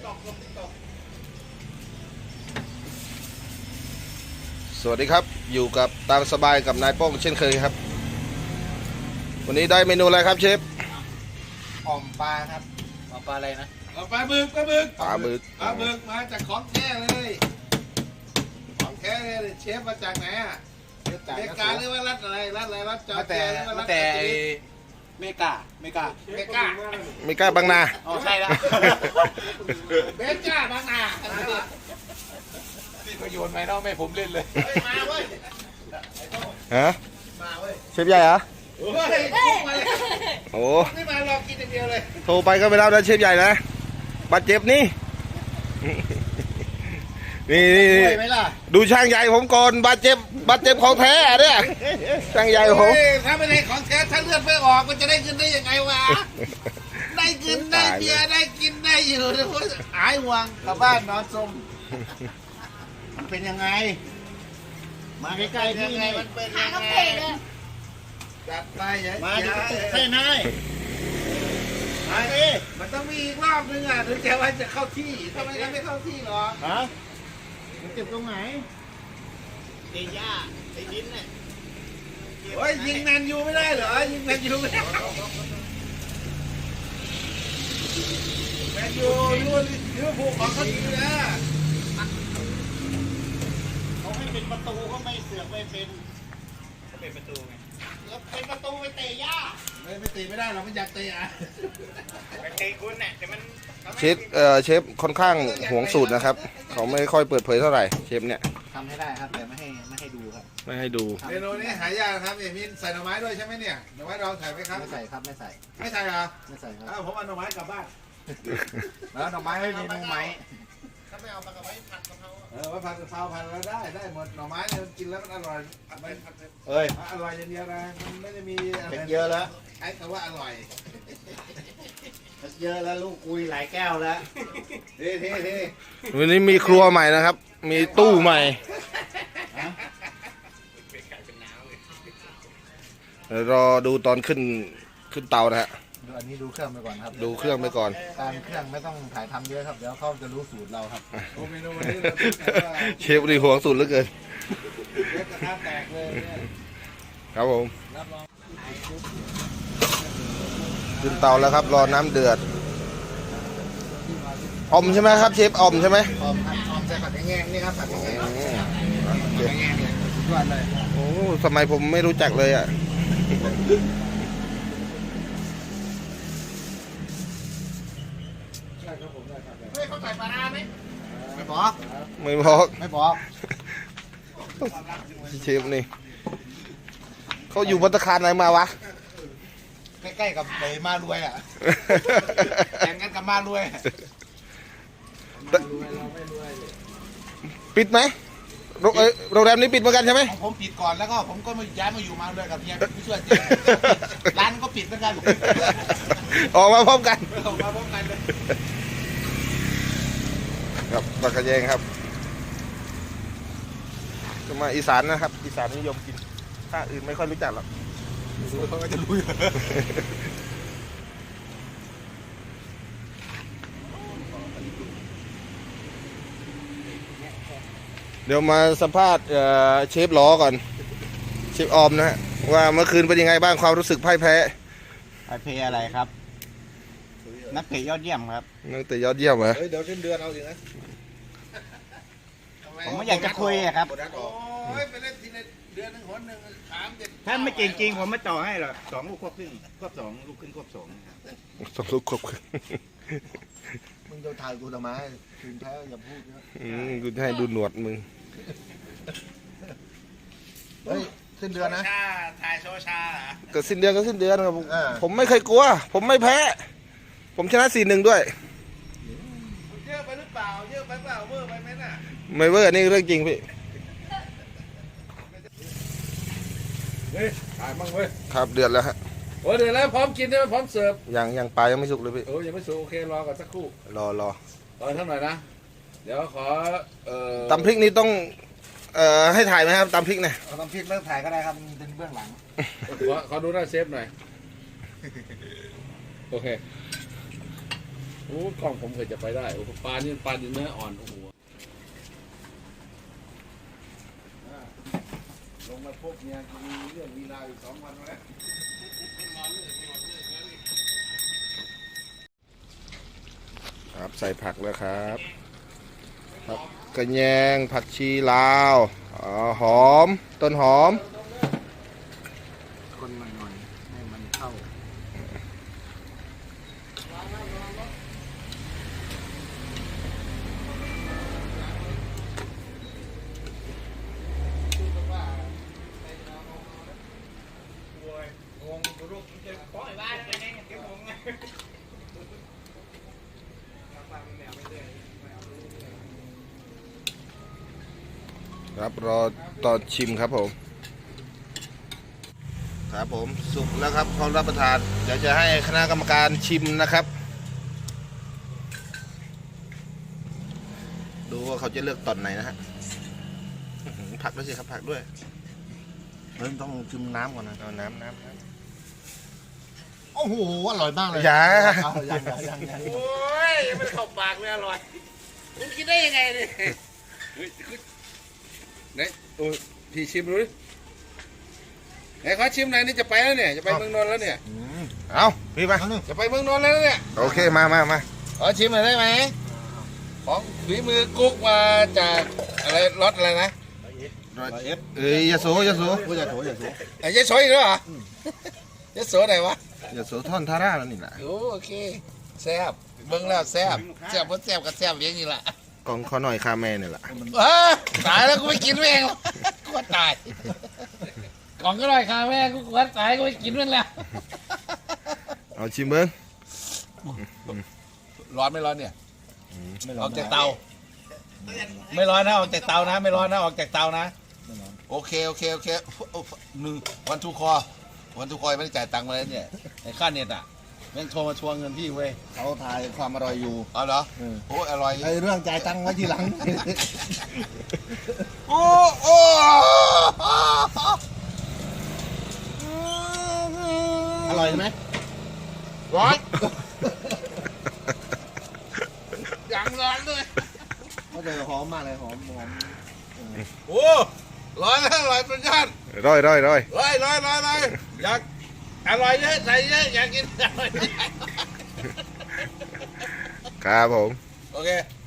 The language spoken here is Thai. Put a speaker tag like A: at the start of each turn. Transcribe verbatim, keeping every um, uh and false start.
A: สวัสดีครับอยู่กับตามสบายกับนายโป้งเช่นเคยครับวันนี้ได้เมนูอะไรครับเชฟ
B: อ่อมปลาครับอ่อมปลาอะไรนะ
C: ปลาบึกปลาบึก
A: ปลาบึก
C: ปลาบึกมาจากของแท้เลยของแท้เลยเชฟมาจากไหนอ่ะเมกาหรือว่ารัฐอะไรรัฐอะไรรัฐจอร์เจียหรือว่ารัฐแต่
B: เมกาเมกา
C: เมกา
A: เมกาบางนา
B: อ๋อใช่แล้ว
C: เมกาบางนา
B: นี่ประโยชน์ไหมเนาะแม่ผมเล่นเลย
C: มาเว้ย
A: ฮะ
C: มาเว้ย
A: เชฟใหญ่เหรอโอ้
C: ไม่มารอกินอย่างเดียวเลย
A: โทรไปก็ไม่รับนะเชฟใหญ่นะบาดเจ็บนี่นี่ดูช่างใหญ่ผมก่อนบาดเจ็บบาดเจ็บของแท้เนี่ยช่างใหญ่ผม
C: ถ้าไม่ได้ของแท้ถ้าเลือดไม่ออกมันจะได้เงินได้ยังไงวะได้เงินได้เบียร์ได้กินได้อยู่นะพวกหายห่วงกลับบ้านนอนสมมันเป็นยังไงมาใกล้ๆที่นี่มันเป็นยังไงจัดไปมาจะตุกเส้นให้มาดิมันต้องมีอีกรอบนึงอ่ะถึงจะว่าจะเข้าที่ทำไมกันไม่เข้าที่หรอฮะมันเจ็บตรงไหนเตะย่าเตะดินเนี่ยโอ้ยยิงแมนยูไม่ได้เหรอยิงแมนยูไม่ได้แมนยูยูยูผูกของเขาดีนะเขาให้เป็นประตูเขาไม่เสือกไม่เป็นเขาเป็นประตูไงแล้วเป็นประตูไปเตะย่าไม่ไม่เตะไม่ได้เราไม่อยากเตะอ่ะไปเตะคุณเนี่ยแต่มัน
A: เชฟเอ่อเชฟค่อนข้างห่วงสูตรนะครับเขาไม่ค่อยเปิดเผยเท่าไหร่เชฟเนี่ย
B: ทำให้ได้ครับแต่ไม่ให้ไม่ให้ดูครับ
A: ไม่ให้ดู
C: เมนูนี้หายากครับเอมินใส่หน่อไม้ด้วยใช่ไหมเนี่ยหน่อไม้ดองใส่ไหมครับ
B: ไม่ใส่ครับไม่ใส่
C: ไม่ใส่เหรอ
B: ไม่ใส่ครับ
C: ผมเอาหน่อไม้กลับบ้าน
B: แล้วหน่อไม้ไม่มีหน่อไม้
C: ถ้าไม่เอามากระไว้ผัดกะเพราเออไว้ผัดกะเพราผัดแล้วได้ได้หมดหน่อไม้เนี่ยกินแล้วมันอร่อยไม่
B: เอ้ย
C: อร่อยอย่างเดียวนะมันไม่ได้มี
B: เป็นเยอะแล้ว
C: ใช้คำว่าอร่อย
B: เยอะแล้วลูกคุยหลายแก้วแล้ว
C: เท่เท่เท่
A: วันนี้มีครัวใหม่นะครับมีตู้ใหม่เดี๋ยวรอดูตอนขึ้นขึ้นเตานะฮะ
B: อันนี้ดูเครื่องไปก่อนครับ
A: ดูเครื่องไปก่อน
B: การเครื่องไม่ต้องถ่ายทำเยอะครับเดี๋ยวเขาจะรู้สูตรเราครับ
A: เชฟดีห่วงสูตรเหลือเกิน
C: เชฟกระทะแตกเลย
A: ครับผมขึ้นเตาแล้วครับรอน้ำเดือดอมใช่ไหมครับเชฟอมใช่ไหม
B: อมครับอมใส่ผัดแง่งนี่ครับผัดแง่งผัดแง่งเนี่ยทุกวันเลย
A: โอ้ทำไมผมไม่รู้จักเลยอ่ะ
C: ไม่เขาใส่ปลาร้าไหม
B: ไม่บอก
A: ไม่บอก
B: ไม่บอก
A: เชฟนี่เขาอยู่ภัตตาคารไหนมาวะ
B: ใกล้ๆกับไอ้มารวยอ่ะแข่งกันกับมารวย
A: ปิดไหมโรงแรมนี้ปิดเหมือนกันใช่ไหม
B: ผมปิดก่อนแล้วก็ผมก็มาย้ายมาอยู่มาด้วยกับเฮียผู้ช่วยร้านก็ปิดเหมือนกัน
A: ออกมาพร้อมกัน
B: ออกมาพร้อมกันเลย
A: ครับปลากระแยงครับจะมาอีสานนะครับอีสานนิยมกินถ้าอื่นไม่ค่อยรู้จักหรอก
B: เขาก็จะรู้
A: เดี๋ยวมาสัมภาษณ์เชฟล้อก่อนเชฟออมนะฮะว่าเมื่อคืนเป็นยังไงบ้างความรู้สึกพ่ายแพ้
B: พ่ายแพ้อะไรครับนักเตะยอดเยี่ยมครับ
A: นักเตะยอดเยี่ยมเหรอ
C: เดี๋ยวสิ้นเดือนเอาอยู่นะ
B: ผมไม่อยากจะคุยครับ
C: โอ้ยไปเล่นทีในเดือนหนึ่งหนหนึ่งสามเจ็ด
B: ถ้าไม่จริงจริงผมไม่ต่อให้หรอกสองลูกควบครึ่งควบสองลูกครึ่งควบสอง
A: สองลูกควบครึ่ง
B: มึงจะถ่ายกูทำไมถึงแพ้อย่าพูดเยอะ
A: อืมกูให้ดูหนวดมึง
B: เฮ้ยสิ้นเดือนนะ
C: ถ่ายโชว์ชา
A: ก็สิ้นเดือนก็สิ้นเดือนครับผมไม่เคยกลัวผมไม่แพ้ผมชนะสี่หนึ่งด้วย
C: เยอะไปหรือเปล่าเยอะไปเปล่าเวอร์ไปไหมน่ะ
A: ไม่เวอร์นี่เรื่องจริงพี่
C: เฮ้ยถ่ายมั่งเว้ย
A: ครับเดือดแล้วฮะ
C: โอ้เดือดแล้วพร้อมกินได้ไหมพร้อมเสิร์ฟ
A: ยังยังปลายังไม่สุกเลยพี่
C: โอ้ยังไม่สุกโอเครอก่อนสักครู่
A: รอรอ
C: รอท่านหน่อยนะเดี๋ยวขอเอ่อ
A: ตำพริกนี่ต้องเอ่อให้ถ่ายไหมครับตำพริกเนี่ย
B: ตำพริกเริ่มถ่ายก็ได้ครับเป็นเบื้องหลัง
C: ขอขอดูหน้าเชฟหน่อยโอเค
D: โอ้กล้องผมเคยจะไปได้โอ้ปลานี่ปลาดินเนื้ออ่อนโอ้โห
C: ลงมาพบเนี่ยมีเรื่องมีราวอีกสองวันแล้ว
A: ครับใส่ผักแล้วครับผักกระแยงผักชีลาวอ๋อหอมต้นหอม
C: คนหน่อยๆให้มันเข้า
A: ครับรอตอนชิมครับผมครับผมสุกแล้วครับพร้อมรับประทานเดี๋ยวจะให้คณะกรรมการชิมนะครับ ดูว่าเขาจะเลือกตอนไหนนะฮะอื้อหือผักด้วยสิครับผักด้วย
C: เฮ้ยต้องชิมน้ำก่อนนะ
A: เอาน้ำน้ำน้
C: โอ้โหอร่อยมากเลย
A: ำอย่า
C: เอายังยังยังยัง
D: โอ้ยมันเข้าปากเลยอร่อยคุณกินได้ยังไงเนี่ยไหนโอ้พี่ชิมดูดิไหนขอชิมหน่อยนี่จะไปแล้วเนี่ยจะไปเมืองนนท์แล้วเนี่ย
C: อืม
A: เอาพี่มา
D: จะไปเมืองนนท์แล้วเนี่ย
A: โอเคมามามา
D: ขอชิมหน่อยได้ไหมของฝีมือกุ๊กมาจากอะไรรสอะไรนะ
C: ร้อยเอฟ
A: เอ้ยยาโสยาโส
C: พูดอย่าโถอย่าโถ
D: ไอ้ยายโสอีกแล้วเหรอ ยายโสไหนวะ
A: ยาโสท่อนทาร่าแล้วนี่แหละ
D: โอ้โอเคแซ่บเบิ่งแล้วแซ่บแซ่บเพราะแซ่บกับแซ่บอย่างนี้แหละ
A: กองข้อหน่อยคาแม่นี่แหละ
D: เออตายแล้วกูไม่กินเองหรอกกูว่าตายกล่องก็ลอยคาแม่กูกลัวตายกูไม่กินมันแล้ว
A: เอาชิมเบิ้ง
D: ร้อนไม่ร้อนเนี่ยออกจากเตา ไม่ร้อนนะออกจากเตานะไม่ร้อนนะออกจากเตานะโอเคโอเคโอเคหนึ่งวันทูคอวันทูคอยไม่ได้จ่ายตังค์มาแล้วเนี่ยไอ้ค่าเน็ตอ่ะแม่งโทรมาทวงเงินพี่เว้ย
C: เขาทายความอร่อยอยู่
D: เอาเหรอ
C: เออ
D: โอ้อร่อย
C: ไอเรื่องจ่ายตังค์ไว้ทีหลัง
D: โอ้โอ้
C: อร่อยไหม
D: ร้อนยังร้อนเลย
C: ก็จะหอมมากเลยหอมหอม
D: โอ้ร้อยแล้วร้อยเป็นยัน
A: ร้อยร้อยร้อย
D: ร้อยร้อยร้อยร้อยอยากอร่อยเยอะใส่เยอะอยากกินอร่อยเยอะ
A: ครับผม
D: โอเค